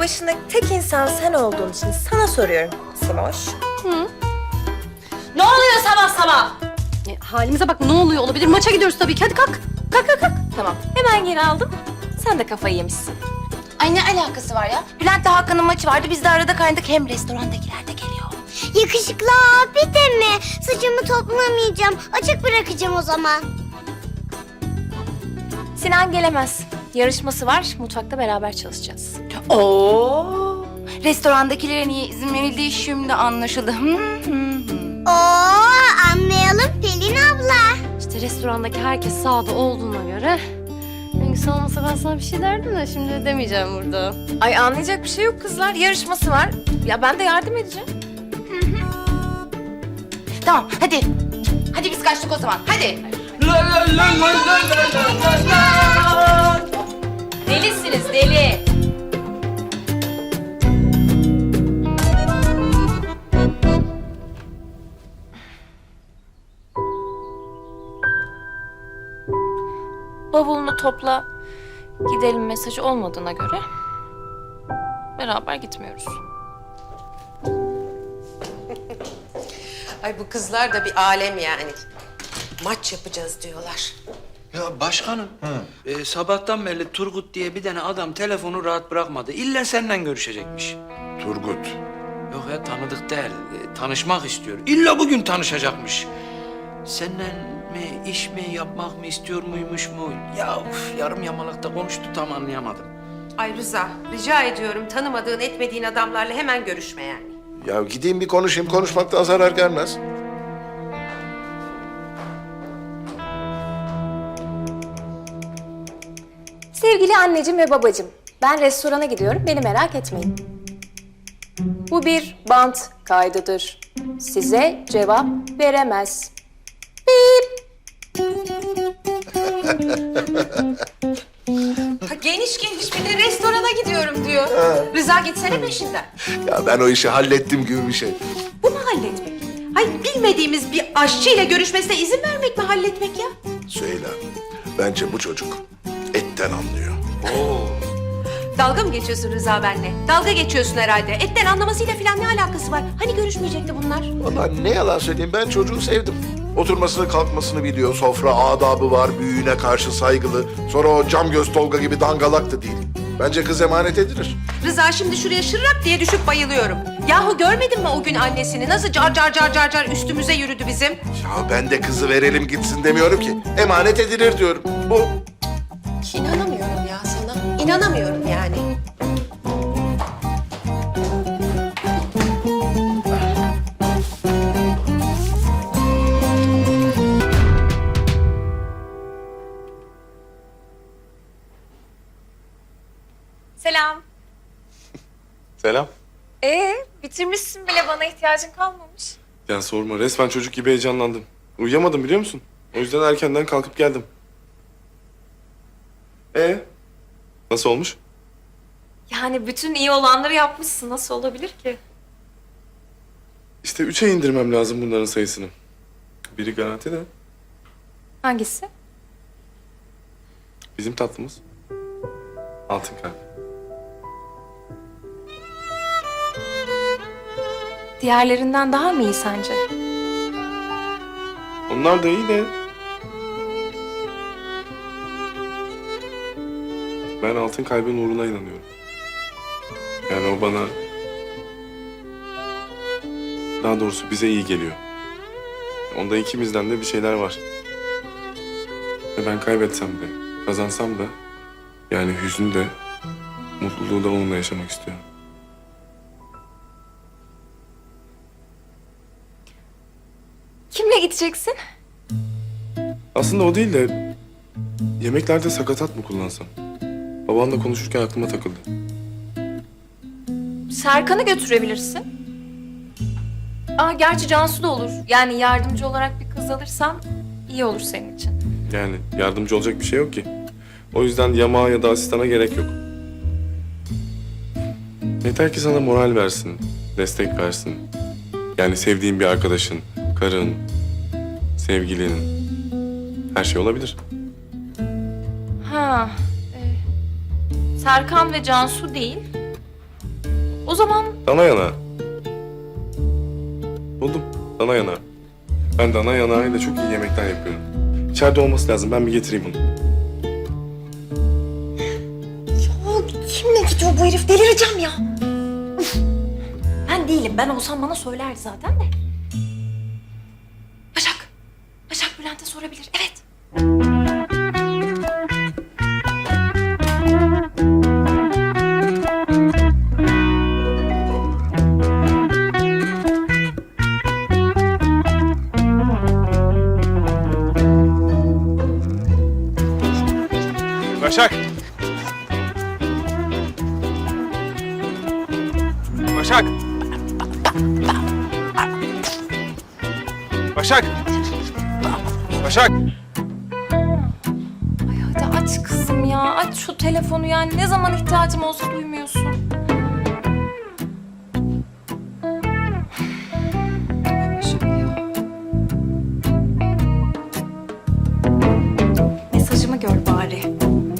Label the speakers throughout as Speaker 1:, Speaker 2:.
Speaker 1: başındaki tek insan sen olduğun için sana soruyorum Simoş.
Speaker 2: Ne oluyor sabah sabah?
Speaker 3: Halimize bak, ne oluyor olabilir? Maça gidiyoruz tabii ki. Hadi kalk. Kalk kalk kalk.
Speaker 1: Tamam, hemen geri aldım. Sen de kafayı yemişsin.
Speaker 2: Ay ne alakası var ya? Bülent'le Hakan'ın maçı vardı. Biz de arada kaynadık. Hem restorandakiler de geliyor.
Speaker 4: Yakışıklı abi de mi? Saçımı toplamayacağım. Açık bırakacağım o zaman.
Speaker 1: Sinan gelemez. Yarışması var, mutfakta beraber çalışacağız.
Speaker 2: Oo! Restorandakilere niye izin verildiği şimdi anlaşıldı.
Speaker 4: Oo, anlayalım Pelin abla.
Speaker 3: İşte restorandaki herkes sağda olduğuna göre... Hangisi olmasa ben sana bir şey derdim de şimdi demeyeceğim burada.
Speaker 1: Ay anlayacak bir şey yok kızlar, yarışması var. Ya ben de yardım edeceğim.
Speaker 2: Tamam hadi. Hadi biz kaçtık o zaman. Hadi.
Speaker 1: Delisiniz, deli. Bavulunu topla, gidelim mesajı olmadığına göre beraber gitmiyoruz.
Speaker 5: Ay bu kızlar da bir alem yani. Maç yapacağız diyorlar.
Speaker 6: Ya başkanım, sabahtan beri Turgut diye bir tane adam telefonu rahat bırakmadı. İlla seninle görüşecekmiş.
Speaker 7: Turgut.
Speaker 6: Yok ya tanıdık değil, tanışmak istiyor. İlla bugün tanışacakmış. Seninle mi, iş mi, yapmak mı istiyor muymuş mu? Ya yarım yamalakta konuştu, tam anlayamadım.
Speaker 5: Ay Rıza, rica ediyorum tanımadığın etmediğin adamlarla hemen görüşme yani.
Speaker 7: Ya gideyim bir konuşayım. Konuşmaktan zarar gelmez.
Speaker 1: Sevgili anneciğim ve babacığım, ben restorana gidiyorum, beni merak etmeyin. Bu bir bant kaydıdır. Size cevap veremez. Bip.
Speaker 5: Ha, geniş bir de restorana gidiyorum diyor. Rıza gitsene peşinden.
Speaker 7: Ya ben o işi hallettim gibi bir şey.
Speaker 5: Bu mu halletmek? Ay bilmediğimiz bir aşçıyla görüşmesine izin vermek mi halletmek ya?
Speaker 7: Süheyla, bence bu çocuk etten anlıyor.
Speaker 5: Dalga mı geçiyorsun Rıza benimle? Dalga geçiyorsun herhalde. Etten anlamasıyla falan ne alakası var? Hani görüşmeyecekti bunlar?
Speaker 7: Vallahi ne yalan söyleyeyim, ben çocuğu sevdim. Oturmasını kalkmasını biliyor, sofra adabı var, büyüğüne karşı saygılı. Sonra o cam göz Tolga gibi dangalak da değil. Bence kız emanet edilir.
Speaker 5: Rıza şimdi şuraya şırrak diye düşüp bayılıyorum. Yahu görmedin mi o gün annesini? Nasıl car üstümüze yürüdü bizim?
Speaker 7: Ya ben de kızı verelim gitsin demiyorum ki. Emanet edilir diyorum. Bu.
Speaker 5: İnanamıyorum ya sana. İnanamıyorum yani.
Speaker 1: Selam.
Speaker 8: Selam.
Speaker 1: Bitirmişsin bile, bana ihtiyacın kalmamış.
Speaker 8: Ya sorma, resmen çocuk gibi heyecanlandım. Uyuyamadım biliyor musun? O yüzden erkenden kalkıp geldim. Nasıl olmuş?
Speaker 1: Yani bütün iyi olanları yapmışsın, nasıl olabilir ki?
Speaker 8: İşte 3'e indirmem lazım bunların sayısını. Biri garanti de
Speaker 1: Hangisi?
Speaker 8: bizim tatlımız. Altın kalp.
Speaker 1: Diğerlerinden daha mı iyi sence?
Speaker 8: Onlar da iyi de... Ben altın kalbin uğruna inanıyorum. Yani o bana... Daha doğrusu bize iyi geliyor. Onda ikimizden de bir şeyler var. Ve ben kaybetsem de, kazansam da... Yani hüznü de, mutluluğu da onunla yaşamak istiyorum.
Speaker 1: Kimle gideceksin?
Speaker 8: Aslında o değil de... Yemeklerde sakatat mı kullansam? Babanla konuşurken aklıma takıldı.
Speaker 1: Serkan'ı götürebilirsin. Gerçi Cansu da olur. Yani yardımcı olarak bir kız alırsan iyi olur senin için.
Speaker 8: Yani yardımcı olacak bir şey yok ki. O yüzden yamağa ya da asistana gerek yok. Yeter ki sana moral versin, destek versin. Yani sevdiğin bir arkadaşın, karın, sevgilinin... Her şey olabilir.
Speaker 1: Serkan ve Cansu değil. O zaman
Speaker 8: Dana yanağı. Buldum. Dana yanağı. Ben dana yanağıyla çok iyi yemekler yapıyorum. İçeride olması lazım. Ben bir getireyim bunu.
Speaker 1: kimle gidiyor bu herif? Delireceğim ya. Üf. Ben değilim. Ben olsam bana söylerdi zaten de. Başak. Başak Bülent'e sorabilir. Evet.
Speaker 9: Başak! Başak! Başak! Başak!
Speaker 1: Ay hadi aç kızım ya. Aç şu telefonu yani. Ne zaman ihtiyacım olsa duymuyorsun. Başak ya. Mesajımı gör bari.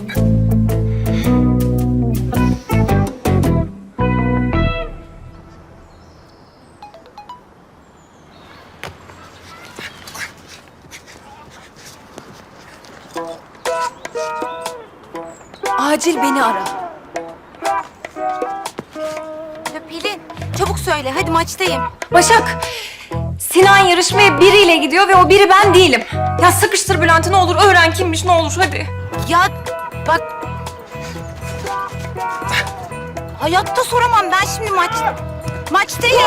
Speaker 1: Acil beni ara.
Speaker 2: Ya Pelin, çabuk söyle. Hadi maçtayım.
Speaker 1: Başak, Sinan yarışmaya biriyle gidiyor ve o biri ben değilim. Ya sıkıştır Bülent'i ne olur, öğren kimmiş ne olur hadi.
Speaker 2: Ya bak... Hayatta soramam ben şimdi maçtayım.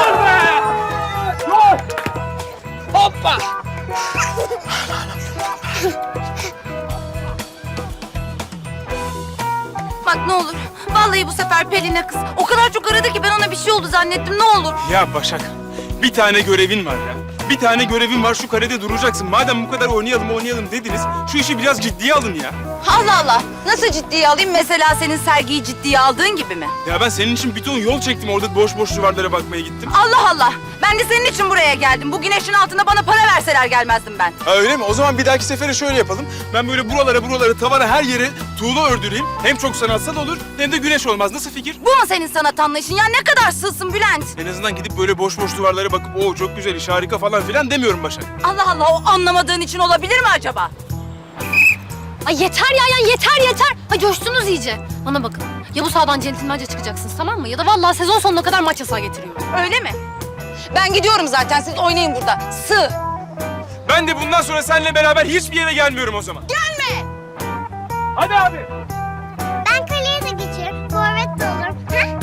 Speaker 2: Bak ne olur. Vallahi bu sefer Pelin'e kız. O kadar çok aradı ki ben ona bir şey oldu zannettim. Ne olur.
Speaker 9: Ya Başak, bir tane görevin var ya. Bir tane görevin var, şu karede duracaksın. Madem bu kadar oynayalım dediniz, şu işi biraz ciddiye alın ya.
Speaker 2: Allah Allah. Nasıl ciddiye alayım? Mesela senin sergiyi ciddiye aldığın gibi mi?
Speaker 9: Ya ben senin için bir ton yol çektim, orada boş boş duvarlara bakmaya gittim.
Speaker 2: Allah Allah. Ben de senin için buraya geldim. Bu güneşin altında bana para verseler gelmezdim ben.
Speaker 9: Ha öyle mi? O zaman bir dahaki sefere şöyle yapalım. Ben böyle buralara, tavana her yere tuğla ördüreyim. Hem çok sanatsal olur, hem de güneş olmaz. Nasıl fikir?
Speaker 2: Bu mu senin sanat anlayışın? Ya ne kadar sığsın Bülent?
Speaker 9: En azından gidip böyle boş boş duvarlara bakıp o çok güzel iş, harika falan filan demiyorum Başak.
Speaker 2: Allah Allah, o anlamadığın için olabilir mi acaba?
Speaker 3: Ay yeter ya yeter. Ha coştunuz iyice. Bana bakın. Ya bu sahadan centilmence çıkacaksınız tamam mı? Ya da vallahi sezon sonuna kadar maç yasağı getiriyorum.
Speaker 2: Öyle mi? Ben gidiyorum zaten. Siz oynayın burada. Sığ.
Speaker 9: Ben de bundan sonra seninle beraber hiçbir yere gelmiyorum o zaman.
Speaker 2: Gelme.
Speaker 9: Hadi abi.
Speaker 4: Ben kaleye de geçerim. Forvet de olurum.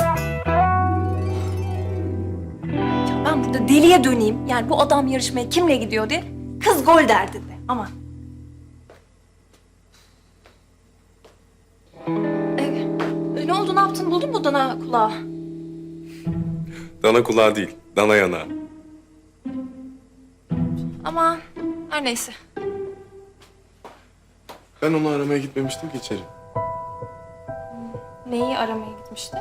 Speaker 1: Ya ben burada deliye döneyim. Yani bu adam yarışmaya kimle gidiyor diye. Kız gol derdinde. Aman. Ne oldu, ne yaptın? Buldun mu dana kulağı?
Speaker 8: Dana kulağı değil, dana yanağı.
Speaker 1: Ama her neyse.
Speaker 8: Ben onu aramaya gitmemiştim ki içeri.
Speaker 1: Neyi aramaya gitmişti?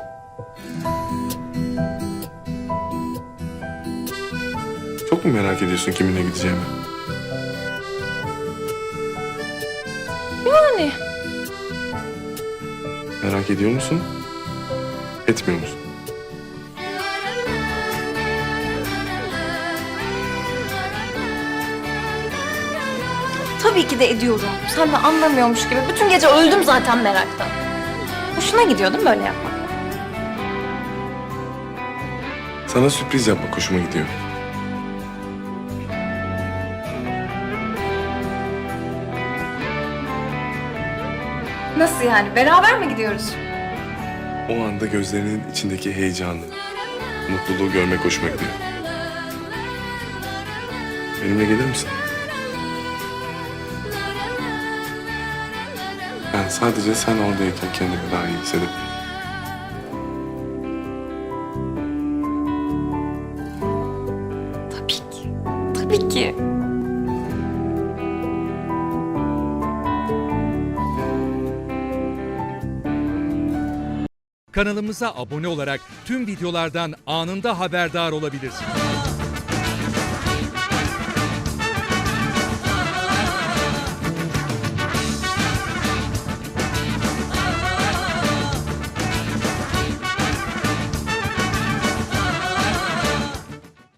Speaker 8: Çok mu merak ediyorsun kiminle gideceğimi?
Speaker 1: Yani.
Speaker 8: Merak ediyor musun? Etmiyor musun?
Speaker 1: Tabii ki de ediyorum. Sen de anlamıyormuş gibi. Bütün gece öldüm zaten meraktan. Hoşuna gidiyor değil mi böyle yapmak?
Speaker 8: Sana sürpriz yapmak hoşuma gidiyor.
Speaker 1: Nasıl yani? Beraber mi gidiyoruz?
Speaker 8: O anda gözlerinin içindeki heyecanı, mutluluğu görmek hoşuma gidiyor. Benimle gelir misin? Ben sadece sen oradayken kendimi daha iyi hissedebilirim.
Speaker 1: Tabii ki. Tabii ki.
Speaker 10: Kanalımıza abone olarak tüm videolardan anında haberdar olabilirsiniz.